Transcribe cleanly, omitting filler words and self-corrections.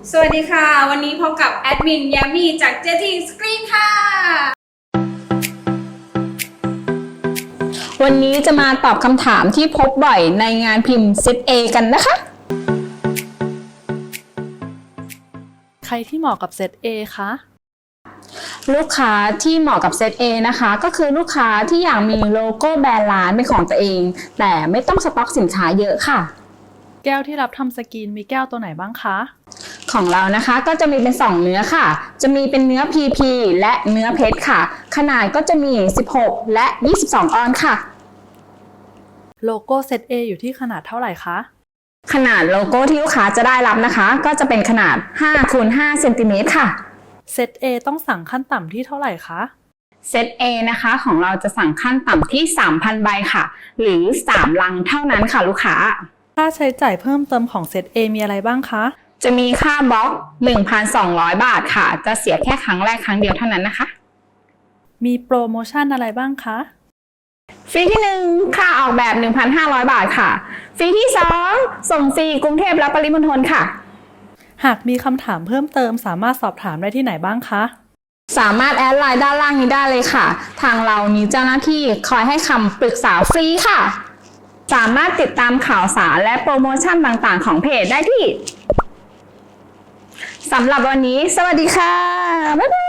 สวัสดีค่ะวันนี้พบกับแอดมินยามีจาก JT Screen ค่ะวันนี้จะมาตอบคำถามที่พบบ่อยในงานพิมพ์ Set A กันนะคะใครที่เหมาะกับเซต A คะลูกค้าที่เหมาะกับ Set A นะคะก็คือลูกค้าที่อยากมีโลโก้แบรนด์ร้านเป็นของตัวเองแต่ไม่ต้องสต็อกสินค้าเยอะค่ะแก้วที่รับทำสกรีนมีแก้วตัวไหนบ้างคะของเรานะคะก็จะมีเป็น2เนื้อค่ะจะมีเป็นเนื้อ PP และเนื้อเพชรค่ะขนาดก็จะมี16และ22ออนค่ะโลโก้เซต A อยู่ที่ขนาดเท่าไหร่คะขนาดโลโก้ที่ลูกค้าจะได้รับนะคะก็จะเป็นขนาด5 คูณ 5 เซนติเมตรค่ะเซต A ต้องสั่งขั้นต่ำที่เท่าไหร่คะเซต A นะคะของเราจะสั่งขั้นต่ำที่ 3,000 ใบค่ะหรือ3ลังเท่านั้นค่ะลูกค้าค่าใช้จ่ายเพิ่มเติมของเซต A มีอะไรบ้างคะจะมีค่าบล็อก 1,200 บาทค่ะจะเสียแค่ครั้งแรกครั้งเดียวเท่านั้นนะคะมีโปรโมชั่นอะไรบ้างคะฟรีที่1ค่าออกแบบ 1,500 บาทค่ะฟรีที่2ส่งฟรีกรุงเทพและปริมณฑลค่ะหากมีคำถามเพิ่มเติมสามารถสอบถามได้ที่ไหนบ้างคะสามารถแอดไลน์ด้านล่างนี้ได้เลยค่ะทางเรามีเจ้าหน้าที่คอยให้คำปรึกษาฟรีค่ะสามารถติดตามข่าวสารและโปรโมชั่นต่างๆของเพจได้ที่สำหรับวันนี้สวัสดีค่ะบ๊ายบาย